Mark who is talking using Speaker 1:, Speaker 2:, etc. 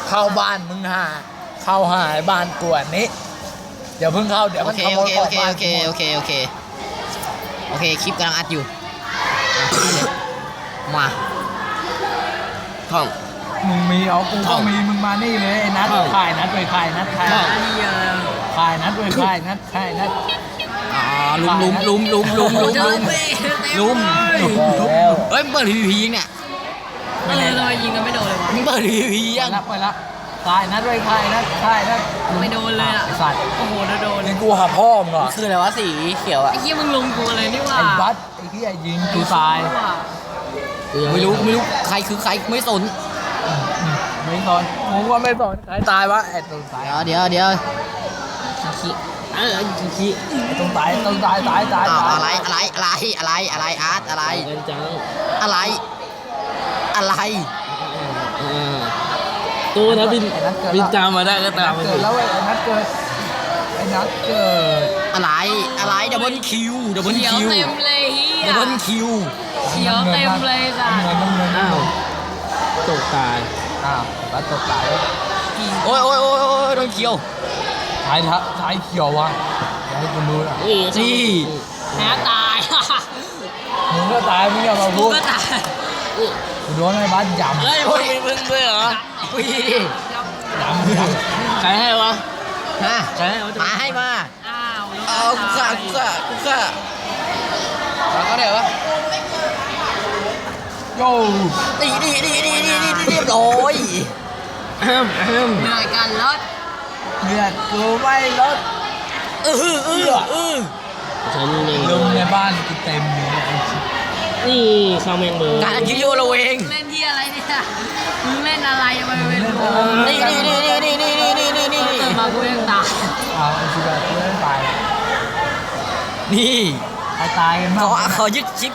Speaker 1: เข้าบ้านมึงหาเข้าหายบ้านกวนนี้เดี๋ยวเพิ่งเข้าเดี๋ยว
Speaker 2: โอ
Speaker 1: มัน
Speaker 2: เค
Speaker 1: ขโม
Speaker 2: โอย เค
Speaker 1: ขอ
Speaker 2: โอง เค
Speaker 1: บ้าน
Speaker 2: โอเคโอเคโอเคโอเคคลิปกำลังอัดอยู่มาท่อง
Speaker 1: มึงมีเอากู
Speaker 2: ท่
Speaker 1: ก็
Speaker 2: อง
Speaker 1: มีมึงมานี่เลยไอ้นัด
Speaker 2: ท่อง
Speaker 1: ขายนัดไปขายนัดขาย
Speaker 2: ท่อง
Speaker 1: ขายนัดไปขายนัดขายนัด
Speaker 2: อ๋อลุมเฮ้ยมึงเปิด PVP ยังเนี่ย
Speaker 3: ทำไมยิงกันไม่โดนเลยวะ
Speaker 2: มึงเปิด PVP ยัง
Speaker 1: ไปละขายนัดไปขายนัดขายนัด
Speaker 3: ไม่โดนเลยอ่ะ
Speaker 1: ไอ้สัตว์
Speaker 3: โอ้โหโดน
Speaker 1: นี่กูหาพ่อมึงเหรอ
Speaker 2: คืออะไรวะสีเขียวอ่ะ
Speaker 3: ไอ้เหี้ยมึงลงกูเลยนี่ว่า
Speaker 1: ไอ้บัสไอ้ที่ยิงกูตาย
Speaker 2: ไม่รู้ใครคือใครไม่สน
Speaker 1: ไม่สนมึงว่าไม่สนใครตายวะไอ้ตรงตาย
Speaker 2: เดี๋ยวขี้ขี้
Speaker 1: ไอ้ตรงตายตรงตายตายตาย
Speaker 2: อ้าว
Speaker 1: ตาย
Speaker 2: อะไรอาร์ตอะไร
Speaker 4: จัง
Speaker 2: อะไร
Speaker 4: ตัวนะบิน
Speaker 1: ไอ้นัดเกิด
Speaker 4: บินตามมาได้ก็ตาม
Speaker 1: เกิดแล้วเว้ยไอ้นัดเกิดไอ้นัดเกิด
Speaker 2: อะไรดับเบิลคิว
Speaker 3: เขียวเต็มเลยเฮีย
Speaker 2: ดับเบิลคิว
Speaker 3: เขียวเต็มเลยจ้ะ
Speaker 1: น้ำเงิน
Speaker 4: อ้าวตกตาย
Speaker 1: อ้าวบัสตกตาย
Speaker 2: โอ้ยโดนเขียว
Speaker 1: ท้ายเขียววะอย่าให้กูรู้นะ
Speaker 2: นี่
Speaker 3: แพ้ตาย
Speaker 1: มึงก็ตายมึงอย่ามา
Speaker 3: กู
Speaker 1: พูด
Speaker 3: ก็ตาย
Speaker 1: กูโดนไอ้บัสยำ
Speaker 4: เฮ้ยมึงด้วยเหรอ
Speaker 2: อุ้ย
Speaker 1: ยำ
Speaker 4: ใครให้วะ
Speaker 2: ฮะ
Speaker 4: ใครให้วะ
Speaker 2: มาให้มา
Speaker 3: อ้าว
Speaker 2: เอากูฆ่าแล้วก็เดี๋ยววะ
Speaker 1: โย่
Speaker 2: นี่เรียบร้อย
Speaker 3: เหนื่อยกันรถ
Speaker 1: เลือดกูไม่ลด
Speaker 4: ฉันเอง
Speaker 1: ลงในบ้านกูเต็มเลยไอ้ชิบ
Speaker 4: นี่ข้าวแมงเบอร์
Speaker 2: การคิดโยเราเอง
Speaker 3: เล่นที่อะไรเนี่ยมึงเล่นอะไรมาเป็นโ
Speaker 2: นี่
Speaker 3: เกิดมากูยังตาย
Speaker 1: เอาไอ้ชิบะกูไม่ตาย
Speaker 2: นี่
Speaker 1: ใครตายกันบ้าง
Speaker 2: ขอยึดชิป